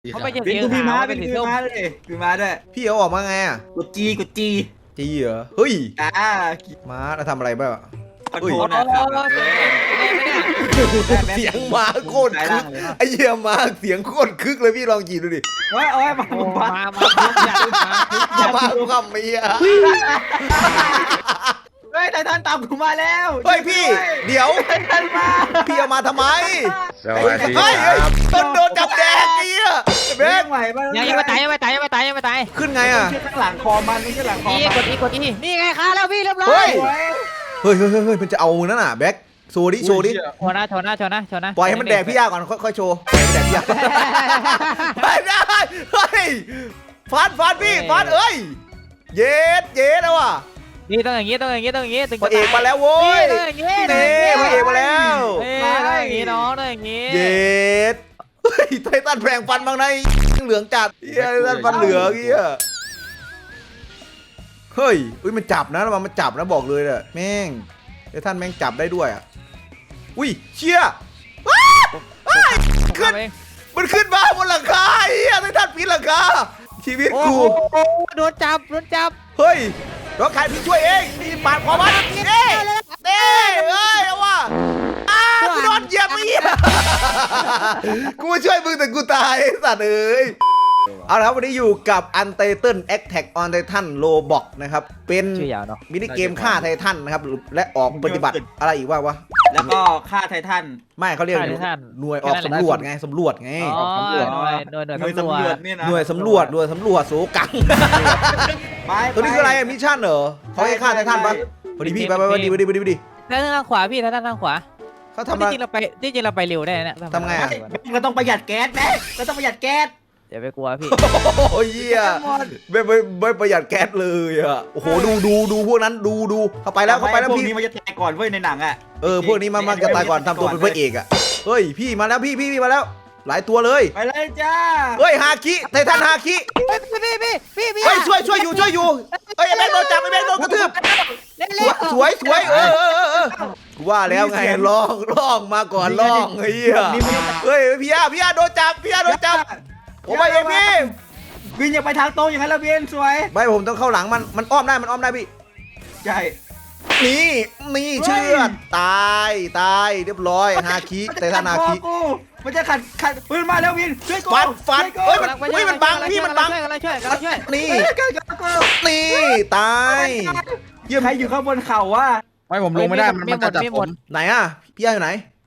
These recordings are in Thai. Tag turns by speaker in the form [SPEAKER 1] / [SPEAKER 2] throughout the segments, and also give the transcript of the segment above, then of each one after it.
[SPEAKER 1] เขาไม่ใช่
[SPEAKER 2] เป็น
[SPEAKER 1] สี
[SPEAKER 2] กูพี่ม้า
[SPEAKER 1] ขาว
[SPEAKER 2] เป็
[SPEAKER 1] เป็น น
[SPEAKER 2] กู
[SPEAKER 1] สี
[SPEAKER 2] พี่
[SPEAKER 1] ส้ม
[SPEAKER 2] ม้าเลยพี่ม้าด้วย
[SPEAKER 3] พี่เอาออกมาไงอ่ะ
[SPEAKER 2] กดจี
[SPEAKER 3] จีเหรอเฮ้ย
[SPEAKER 2] ม้า
[SPEAKER 3] ม้าเราทำอะไรบ้างอะ
[SPEAKER 2] คอนโทรลนะครับ
[SPEAKER 3] เสียงม้าโคตรคึกไอ้เหี้ยม้าเสียงโคตรคึกเลยพี่ลองจีดูดิ
[SPEAKER 2] โอ้ยมา
[SPEAKER 1] โอ้
[SPEAKER 2] บ้า
[SPEAKER 1] มาทุกอย่างมาทุกอย่าง
[SPEAKER 3] ม้าคำเมีย
[SPEAKER 2] เฮ้ยไททันตามกูมาแล้ว
[SPEAKER 3] เฮ้ยพี่เดี๋ยว
[SPEAKER 2] ไททันมา
[SPEAKER 3] พี่เอามาทำไม
[SPEAKER 4] สวัสดี
[SPEAKER 3] เฮ้ย
[SPEAKER 4] ครับ
[SPEAKER 3] โดนจับแดงไอ้เหี้ยเบ
[SPEAKER 2] เบ้
[SPEAKER 3] ก
[SPEAKER 2] งใหม่บ้าง
[SPEAKER 1] ยังไม่ตายยังไม่ตายยังไม่ตายยังไม่ตาย
[SPEAKER 3] ขึ้นไงอ่ะ
[SPEAKER 2] ไม่ใช่ข้างหลังคอมันไม่ใช่หลังคอ
[SPEAKER 1] นี่
[SPEAKER 2] มัน
[SPEAKER 1] กดอีนี่ไงคะแล้วพี่เรียบร้อ
[SPEAKER 3] เฮ้
[SPEAKER 1] ย
[SPEAKER 3] ย เฮ้ยมันจะเอานั่นน่ะแบ็คโชว์ดิโชว์ดิ
[SPEAKER 1] โชว์นะโชว์นะโชว์นะโชว์นะ
[SPEAKER 3] ปล่อยให้มันแดกพี่ยาก่อนค่อยๆโชว์ปล่อยให้มันแดกพี่ยาไม่ได้เฮ้ยฟันพี่ฟันเอ้ยเย็ดแล้วว่ะ
[SPEAKER 1] นี่ต้องอย่างงี้ต้องอย่างงี้ต้องอย่างงี้ถึง
[SPEAKER 3] พระเอกมาแล้วโว้ย
[SPEAKER 1] ต้องอย่างงี้
[SPEAKER 3] นี่พระเอกมาแล้ว
[SPEAKER 1] ต้องอย่างงี้น้องต้องอย่างงี้
[SPEAKER 3] เย็ดเฮ้ยไททันแปลงฟันบางในเหลืองจัดเฮียไททันฟันเหลืองเฮียเฮ้ยมันจับนะระวังมันจับนะบอกเลยเนี่ยแม่งไททันแม่งจับได้ด้วยอ่ะอุ้ยเชี่ยขึ้นมันขึ้นมาบนหลังคาเฮียไททันปีนหลังคาชีวิต
[SPEAKER 1] โอ้
[SPEAKER 3] กู
[SPEAKER 1] โหโดนจับโดนจับ
[SPEAKER 3] เฮ้ยรถขายพี่ช่วยเองพี่ปาดคอมันเด้เอ้ยเอาว่ะกูโดนเหยียบอีกกูมาช่วยมึงแต่กูตายไอ้สัตว์เอ้ยเอาละครับวันนี้อยู่กับ Untitled Attack on Titan Roblox นะครับเป็น
[SPEAKER 1] ชื่อยาวเนาะ
[SPEAKER 3] มินิเกมฆ่าไททันนะครับและออกปฏิบัติอะไรอีกวะ
[SPEAKER 2] แล้วก็ฆ่าไททัน
[SPEAKER 3] ไม่เขาเรียกหน่วยออกสำรวจไงสำรวจไง
[SPEAKER 1] อ๋อหน่วย
[SPEAKER 2] หน่วย
[SPEAKER 1] สำร
[SPEAKER 2] สำ
[SPEAKER 1] ว
[SPEAKER 2] รว
[SPEAKER 1] จ
[SPEAKER 2] จเนี่ยนะ
[SPEAKER 3] หน่วยสำรวจโสกังตัวนี้คืออะไรมิชชั่นเหรอเขาให้ฆ่าไททันปะพอดีพี่ไปดี
[SPEAKER 1] แล้วทางขวาพี่ทางขวา
[SPEAKER 3] เขาทำ
[SPEAKER 1] ที่
[SPEAKER 3] อะไร
[SPEAKER 1] จริงเราไปเร็วได้นะ
[SPEAKER 3] ทำไงอะ
[SPEAKER 2] เราต้องประหยัดแก๊สนะเราต้องประหยัดแก๊ส
[SPEAKER 1] อย่าไปกลัวพี่
[SPEAKER 3] โอ้ยเหี้ยไม่ประหยัดแก๊สเลยอ่ะโอ้โหดูพวกนั้นดูเข้าไปแล้ว
[SPEAKER 2] พว
[SPEAKER 3] พี่
[SPEAKER 2] กนี้มันจะตายก่อนเว้ยในหนังอ่ะ
[SPEAKER 3] พวกนี้มันจะตายก่อนทำตัวเป็นพระเอกอ่ะเฮ้ยพี่มาแล้วพี่มาแล้ว หลายตัวเลย
[SPEAKER 2] ไปเลยจ้า
[SPEAKER 3] เฮ้ยฮาคิไททันฮาคิ
[SPEAKER 1] พี่
[SPEAKER 3] เฮ้ยช่วยอยู่เฮ้ยไอ้แบงค์โดนจับไอ้แบงค์โดนกระทืบสวยกูว่าแล้วไงลองมาก่อนลองเฮ้ยพี่อาโดนจับผมไปเองพี่
[SPEAKER 2] วินอย่าไปทางตรงอย่างนั้นแล้ววินสวย
[SPEAKER 3] ไม่ผมต้องเข้าหลังมันอ้อมได้พี่
[SPEAKER 2] ใช่
[SPEAKER 3] นี่เชื่อตายเรียบร้อยฮาคิไททันฮาคิ
[SPEAKER 2] มันจะขัดปืนมาแล้ววินช่วยกู
[SPEAKER 3] ฟันเฮ้ยมันบังพี่มันบัง
[SPEAKER 1] กำลังช่วย
[SPEAKER 3] นี่ตายเยี่ยม
[SPEAKER 2] ใครอยู่ข้างบนเข่าวะ
[SPEAKER 4] ไม่ผมลงไม่ได้มันจะจับผม
[SPEAKER 3] ไหนอ่ะพี่อยู่ไหน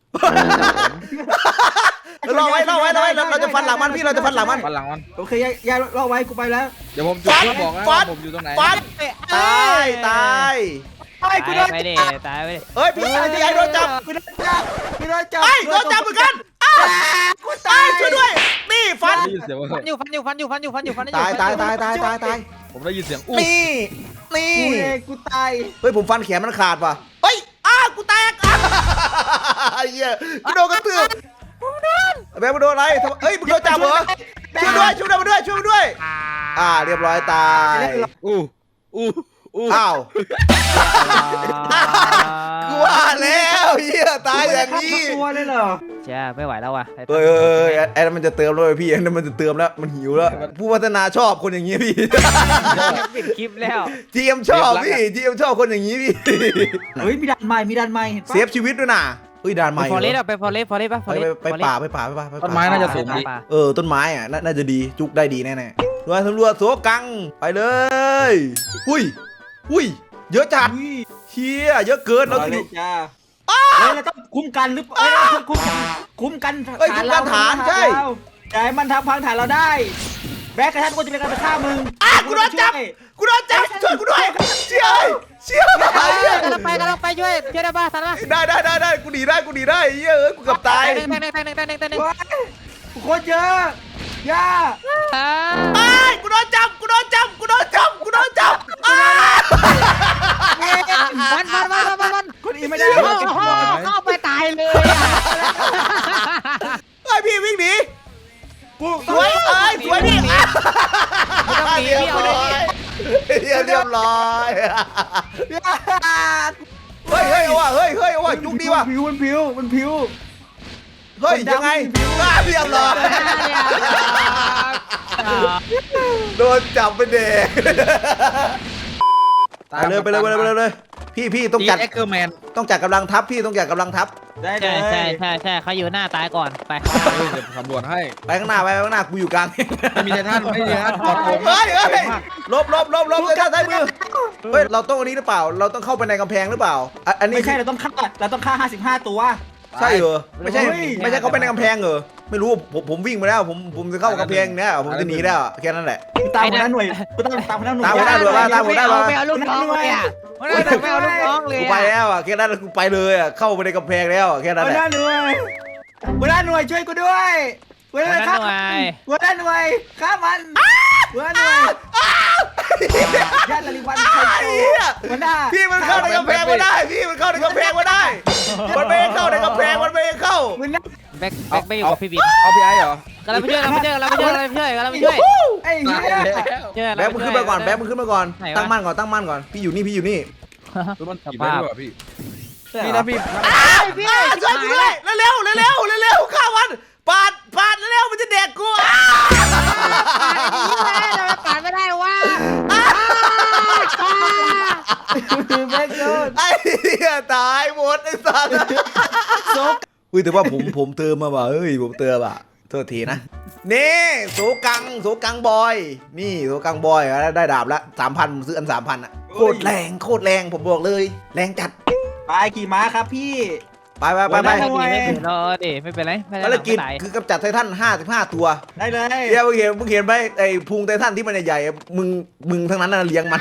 [SPEAKER 3] รอไว้เราจะฟันหลังมันพี่เราจะฟันหลังมัน
[SPEAKER 4] ฟันหลังมัน
[SPEAKER 2] โอเคยายรอไว้กูไปแล้ว
[SPEAKER 4] เดี๋ยวผมจุดเพื่อบอกนะว่าผมอยู่ตรงไหน
[SPEAKER 3] ฟันตาย
[SPEAKER 2] ไอ้กูโดน
[SPEAKER 1] ไปดิ
[SPEAKER 2] จับ
[SPEAKER 1] ตายไปดิ
[SPEAKER 3] เฮ้ยพี่ไอ้โดนจับ
[SPEAKER 2] กูโดนจับกูโดนจับ
[SPEAKER 3] ไอ้โดนจับเหมือนกันกูตายช่วยด้วยนี่ฟัน
[SPEAKER 4] ได้ยินเสียงว่า
[SPEAKER 1] ฟันอยู่
[SPEAKER 3] ตาย
[SPEAKER 4] ผมได้ยินเสียงอู้
[SPEAKER 3] นี่
[SPEAKER 2] กูเองกูตาย
[SPEAKER 3] เฮ้ยผมฟันแขนมันขาดว่ะเฮ้ยกูแตกไอ้เหี้ยกูโดนกระตือแบงค์มาโดนอะไรเฮ้ยมึงโดนจับเหรอช่วยด้วยเรียบร้อยตาย
[SPEAKER 4] อู้
[SPEAKER 3] อ้าวกูว่าแล้วเฮียตายอย่างนี้
[SPEAKER 2] ตัวเลยเหรอ
[SPEAKER 1] จ้าไม่ไหวแล้วว่ะ
[SPEAKER 3] เฮ้ยไอ้นั่นมันจะเติมแล้วพี่ไอ้นั่นมันจะเติมแล้วมันหิวแล้วผู้พัฒนาชอบคนอย่างนี้พี่
[SPEAKER 1] ปิดคลิปแล้ว
[SPEAKER 3] ทีเอ็มชอบพี่ทีเอ็มชอบคนอย่างนี้พี่
[SPEAKER 2] เฮ้ยมีดันใหม่
[SPEAKER 3] เซฟชีวิตด้วยนะเฮ้ยด่านใหม่
[SPEAKER 1] ฟอเรสต์ไปฟอเรสต์ป่ะ
[SPEAKER 3] ไปป่า
[SPEAKER 4] ต้นไม้น่าจะสูงดี
[SPEAKER 3] ต้นไม้อ่ะน่าจะดีจุกได้ดีแน่ๆด้วยตำรวจโสกังไปเลยอุ้ยเยอะจัดเฮียเยอะเกินแล้ว
[SPEAKER 2] เล
[SPEAKER 3] ดู
[SPEAKER 2] ยจ้าเราต้องคุ้มกันหรือคุ้มกันฐานใช่มันทำพังฐานเราได้แบกกระทันกูจะเป็นการไปฆ่ามึง
[SPEAKER 3] กูโดนจับช่วยกูด้วยเชี่ย
[SPEAKER 1] กำลังไปช่วยได้ป่ะทันป่ะ
[SPEAKER 3] ได้กูหนีได้เฮ้ยกูเกือบตาย
[SPEAKER 1] หนึ่ง
[SPEAKER 2] โคตรเยอะย่า
[SPEAKER 3] กูโดนจับ
[SPEAKER 1] ฟัน
[SPEAKER 2] คนอีไม่ได้
[SPEAKER 1] เข้าไปตายเลย
[SPEAKER 3] ไอ้พี่วิ่งหนีสวยพี่
[SPEAKER 1] ต้องหนีพี่เอาเลย
[SPEAKER 3] เรียบร้อยเฮ้ยเอาว่ะจุกดีว่ะ
[SPEAKER 2] มันผิว
[SPEAKER 3] เฮ้ยยังไงเรียบร้อยโดนจับไปเด็กไปเลยพี่ต้องจัด
[SPEAKER 4] เอ็กเกอร์แมน
[SPEAKER 3] ต้องจัดกำลังทัพพี่ต้องจัดกำลังทัพ
[SPEAKER 2] ได้เล
[SPEAKER 1] ใช่
[SPEAKER 2] ย
[SPEAKER 1] ใช่เขาอยู่หน้าตายก่อนไป
[SPEAKER 4] เดี๋ยวสำรวจให้
[SPEAKER 3] ไปข้างหน้ากูอยู่กลาง
[SPEAKER 4] ไม่มีไททันไม่มีไททันปลอดโปร่ง
[SPEAKER 3] เฮ้ยลบเลยด้านซ้ายมือเฮ้ยเราต้องอันนี้หรือเปล่าเราต้องเข้าไปในกำแพงหรือเปล่าอันนี้
[SPEAKER 2] ไม่ใช่เราต้องฆ่า55 ตัว
[SPEAKER 3] ใช่เหรอไม่ใช่เขาไปในกำแพงเหรอไม่รู้ผมวิ่งมาแล้วผมจะเข้ากำแพงเนี่ยผมจะหนีแล้วแค่นั้นแหละ
[SPEAKER 2] ตามหัวหน้าหน่วยกูตามหัวหน้าหน่วย
[SPEAKER 3] ตามหัวหน้าหน่วย ตามหัวหน้าหน่วย
[SPEAKER 1] ไม่เอาลูกน้องเลยอ่ะไม่เอาลูกน้องเลย
[SPEAKER 3] กูไปแล้วแค่นั้นกูไปเลยเข้าไปในกำแพงแล้วแค่นั้น
[SPEAKER 2] หัว
[SPEAKER 3] แห
[SPEAKER 2] ห
[SPEAKER 3] ละ
[SPEAKER 2] น้าหน่วยช่วยกูด้วยหัวหน้าหน่วยฆ่ามันหัวหน้าหน่วยญาติลลิวันหัวหน้า
[SPEAKER 3] พี่มันเข้าในกำแพงมาได้มันไม่เข้ามันไม่เข้า
[SPEAKER 1] แบ็คไม่อยู่กับพี่บิ๊ก
[SPEAKER 4] เอาพี่ไอ้เหรอ
[SPEAKER 1] กำลังไปช่วย
[SPEAKER 2] ไอ้เหี้ย
[SPEAKER 3] แบ๊กมึงขึ้นมาก่อนตั้งมั่นก่อนพี่อยู่นี่
[SPEAKER 4] คือมันขี่ได้ด้วยเหรอพี่นี่นะพี่
[SPEAKER 1] พี่
[SPEAKER 3] ช่วยกูด้วยเร็วข้ามันปาดเร็วมันจะแดกกู
[SPEAKER 1] ปาดไม่ได้ว่า
[SPEAKER 2] แม่งโดน
[SPEAKER 3] ไอ้เหี้ยตายหมดไอ้สัสอุ้ยแต่ว่าผมเติมมาว่ะผมเติมอ่ะโทษทีนะนี่โสกังบอยนี่โสกังบอยได้ดาบละ 3,000 ซื้ออัน 3,000อ่ะโคตรแรงผมบอกเลยแรงจัด
[SPEAKER 2] ไปขี่ม้าครับพี่
[SPEAKER 3] ไป
[SPEAKER 1] ไม่เป็นไร
[SPEAKER 3] ภารกิจคือกำจัดไททัน55 ตัว
[SPEAKER 2] ได้เลย
[SPEAKER 3] เดี๋ยวมึงเห็นไหมไอ้พุงไททันที่มันใหญ่ๆมึงทั้งนั้นน่ะเลี้ยงมัน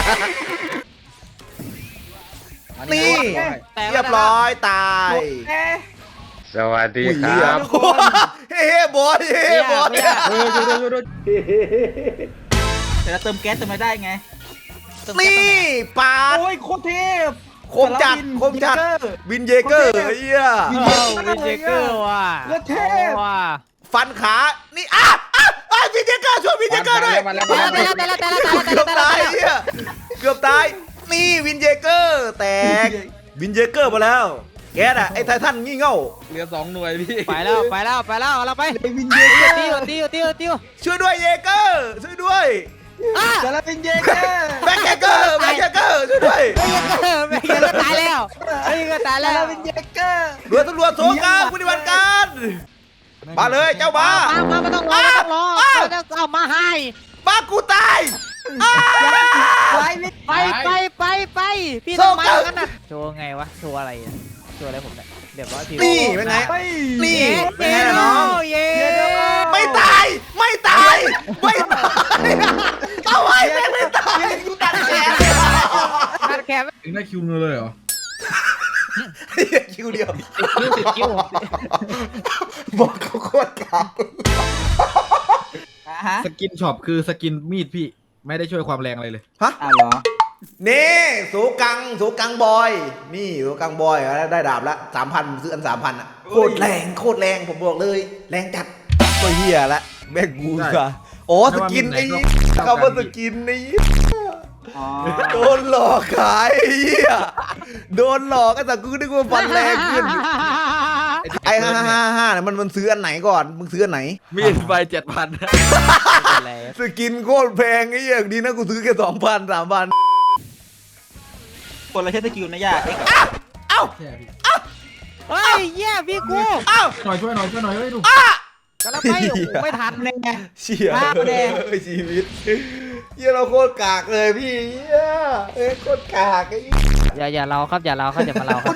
[SPEAKER 3] นี่เรียบร้อยตาย
[SPEAKER 5] สวัสดีครับ
[SPEAKER 3] เฮ้บอย
[SPEAKER 4] ดู
[SPEAKER 2] แต่เราเติมแก๊สเติมไม่ได้ไง
[SPEAKER 3] นี่ปาด
[SPEAKER 2] โอ้ยโคตรเทพ
[SPEAKER 3] คมจัดวินเยเกอร์ไอ้เหี้ย
[SPEAKER 1] วินเจเกอร์ว่ะว่ะ
[SPEAKER 3] ฟันขานี่วินเยเกอร์ช่วยวินเยเกอร์ด้วย
[SPEAKER 4] มาแล้ว
[SPEAKER 3] เกือบตายเหี้ยเกือบตายนี่วินเยเกอร์แตกวินเยเกอร์มาแล้วแกน่ะไอ้ไททันงี่เง่า
[SPEAKER 4] เหลือ2 หน่วยพี่
[SPEAKER 1] ไปแล้วเราไป
[SPEAKER 2] วินเยเกอร์
[SPEAKER 1] ติ้ว
[SPEAKER 3] ช่วยด้วยเยเกอร์ช่วยด้วย
[SPEAKER 2] แต่ละวินเยเกอร์
[SPEAKER 3] แบ็คเกอร์ช่วยด้วย
[SPEAKER 1] ไม่ก็ตายแล้ว
[SPEAKER 2] แต่ละวินเยเกอร์
[SPEAKER 3] เรือตำรวจโถกลางปฏิบัติการมาเลยเจ้าบ้า
[SPEAKER 1] ไม่ต้องรอเอามาให้
[SPEAKER 3] บ้ากูตาย
[SPEAKER 1] ไปพี่ต้องมากันนะโชว์ไงวะโชว์อะไรโชว์อะไรผมเนี่ยเดี๋ยวร้อยที
[SPEAKER 3] นี่เป็นไงนี่เป็นไงน้อง
[SPEAKER 1] เย้
[SPEAKER 3] ไม่ตายเอาไว้ไม่ตายกูตัดแขน
[SPEAKER 1] แคบ
[SPEAKER 4] ถึงได้คิวเงินเลยเหรอ
[SPEAKER 3] คิวเดียว
[SPEAKER 1] คิว
[SPEAKER 3] บอกเขาโคตรกาก
[SPEAKER 4] สกินช็อปคือสกินมีดพี่ไม่ได้ช่วยความแรงอะไรเลย
[SPEAKER 3] ฮะ
[SPEAKER 2] เหรอ
[SPEAKER 3] นี่สูกังบอยนี่สูกังบอยได้ดาบละ 3,000 ซื้ออัน 3,000อ่ะโคตรแรงผมบอกเลยแรงจัดตัวเหี้ยละแม่งกูค่ะโอ้สกินไอ้เขาว่าสกินไอ้โดนหลอกขายไอ้เหี้ยโดนหลอกไอ้สัตว์กูนึกว่าฟันแรงขึ้นไอ้555เนี่ยมันซื้ออันไหนก่อนมึงซื้ออันไหน
[SPEAKER 4] มีดไป7,000
[SPEAKER 3] สกินโคตรแพงไอ้เหี้ยดีนะกูซื้อแค่ 2,000 3,000
[SPEAKER 2] คนละใช้สกิลนะย่า
[SPEAKER 3] เอ้า
[SPEAKER 1] เฮ้ยเย้พี่กู
[SPEAKER 3] เอ้า
[SPEAKER 4] ช่วยหน่อยเฮ้ยดู
[SPEAKER 1] กำลังไปไม่ทันเลยไง
[SPEAKER 3] เชี่ยชีวิตเหี้ยเราโคตรกากเลยพี่เหี้ยโคตรกากไอ้
[SPEAKER 1] อย่าเราครับอย่ามาเราครับ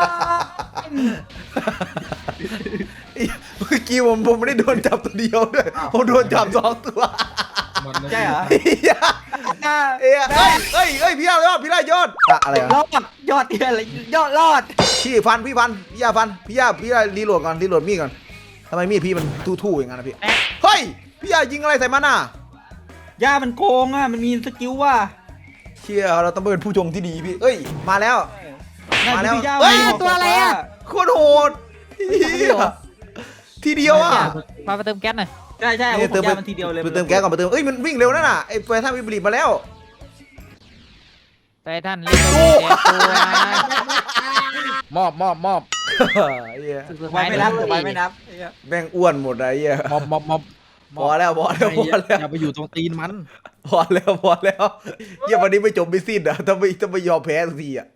[SPEAKER 3] เมื่อกี้ผมไม่ได้โดนจับตัวเดียวด้วยผมโดนจับ2 ตัว
[SPEAKER 2] ใช่เหรอ
[SPEAKER 3] เฮ้ยพี่ยอดอะไรวะ
[SPEAKER 2] ยอดเตี้ยเลยยอดรอด
[SPEAKER 3] พี่ยาฟันพี่ยารีโหลดมีดก่อนทำไมมีดพี่มันทู่ๆอย่างนั้นนะพี่เฮ้ยพี่ยายิงอะไรใส่มันน่ะ
[SPEAKER 2] ย่ามันโกงอ่ะมันมีสกิลว่ะ
[SPEAKER 3] เชี่ยเราต้องเป็นผู้ชมที่ดีพี่เอ้ยมาแล้ว
[SPEAKER 1] เฮ้ยตัวอะไรอ่ะ
[SPEAKER 3] โคตรโหดทีเดียวอ่ะ
[SPEAKER 1] มาเติมแก๊สหน่อย
[SPEAKER 2] ใช่เติมมันทีเดียวเลย
[SPEAKER 3] ไปเติมแก๊สก่อนเอ้ยมันวิ่งเร็วนั่นน่ะไอ้ไฟท่าวิบลิตมาแล้ว
[SPEAKER 1] ไปท่านเล่นตัว
[SPEAKER 4] มอบ
[SPEAKER 3] เหี้ย
[SPEAKER 1] สุด
[SPEAKER 2] ไว้
[SPEAKER 1] ท้าย
[SPEAKER 2] ไม่นับ
[SPEAKER 1] โด
[SPEAKER 2] ไว้
[SPEAKER 1] น
[SPEAKER 2] ไม่นับ
[SPEAKER 3] แม่งอ้วนหมดเลยเหี้ย
[SPEAKER 4] ม็อบ
[SPEAKER 3] พอแล้วพอแล้วพอแล้ว
[SPEAKER 4] อย่าไปอยู่ตรงตีนมัน
[SPEAKER 3] พอแล้วเหี้ยวันนี้ไม่จบไม่สิ้นอ่ะถ้าไม่ยอมแพ้สักทีอ่ะ